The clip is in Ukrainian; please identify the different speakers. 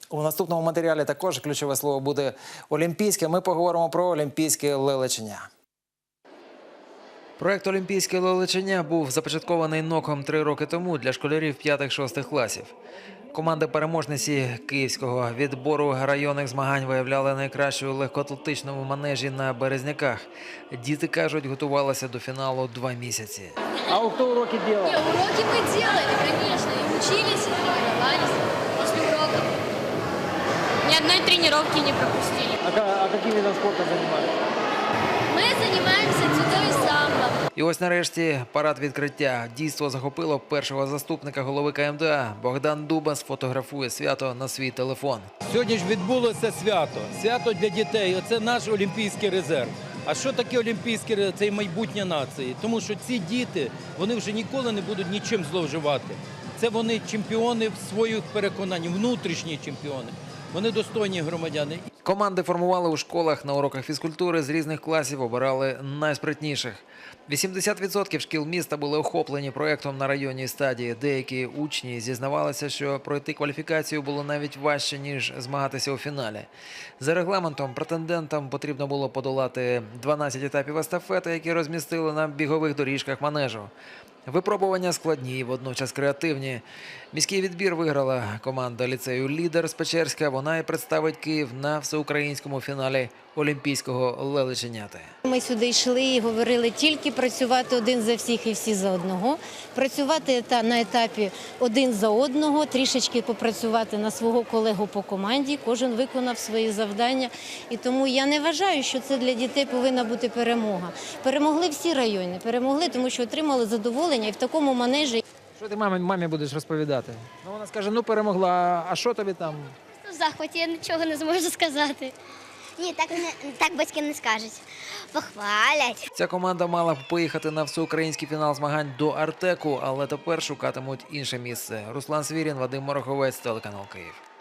Speaker 1: У наступному матеріалі також ключове слово буде олімпійське. Ми поговоримо про олімпійське лелечення. Проект «Олімпійське лелечення» був започаткований НОКом 3 роки тому для школярів 5-6 класів. Команди-переможниці київського відбору районних змагань виявляли найкращу у легкоатлетичному манежі на Березняках. Діти, кажуть, готувалися до фіналу 2 місяці.
Speaker 2: А кто уроки делал?
Speaker 3: Уроки мы делали, конечно, и учились, и тренировались после уроков. Ни одной тренировки не пропустили.
Speaker 2: А каким видом спорта занимались?
Speaker 3: Мы занимаемся дзюдо и самбо.
Speaker 1: І ось нарешті парад відкриття. Дійство захопило першого заступника голови КМДА. Богдан Дубас фотографує свято на свій телефон.
Speaker 4: Сьогодні ж відбулося свято. Свято для дітей. Оце наш олімпійський резерв. А що таке олімпійський резерв? Це і майбутнє нації. Тому що ці діти, вони вже ніколи не будуть нічим зловживати. Це вони чемпіони в своїх переконаннях, внутрішні чемпіони. Вони достойні громадяни.
Speaker 1: Команди формували у школах, на уроках фізкультури з різних класів обирали найспритніших. 80% шкіл міста були охоплені проєктом на районній стадії. Деякі учні зізнавалися, що пройти кваліфікацію було навіть важче, ніж змагатися у фіналі. За регламентом претендентам потрібно було подолати 12 етапів естафети, які розмістили на бігових доріжках манежу. Випробування складні, водночас креативні. Міський відбір виграла команда ліцею «Лідер» з Печерська. Вона і представить Київ на всеукраїнському фіналі олімпійського лелеченяти.
Speaker 5: Ми сюди йшли і говорили тільки працювати один за всіх і всі за одного. Працювати на етапі один за одного, трішечки попрацювати на свого колегу по команді. Кожен виконав свої завдання. І тому я не вважаю, що це для дітей повинна бути перемога. Перемогли всі райони, перемогли, тому що отримали задоволення і в такому манежі.
Speaker 2: Що ти мамі будеш розповідати? Ну, вона скаже, ну перемогла, а що тобі там?
Speaker 6: В захваті я нічого не зможу сказати. Ні, так батьки не скажуть. Похвалять.
Speaker 1: Ця команда мала б поїхати на всеукраїнський фінал змагань до Артеку, але тепер шукатимуть інше місце. Руслан Свірін, Вадим Мороховець, телеканал Київ.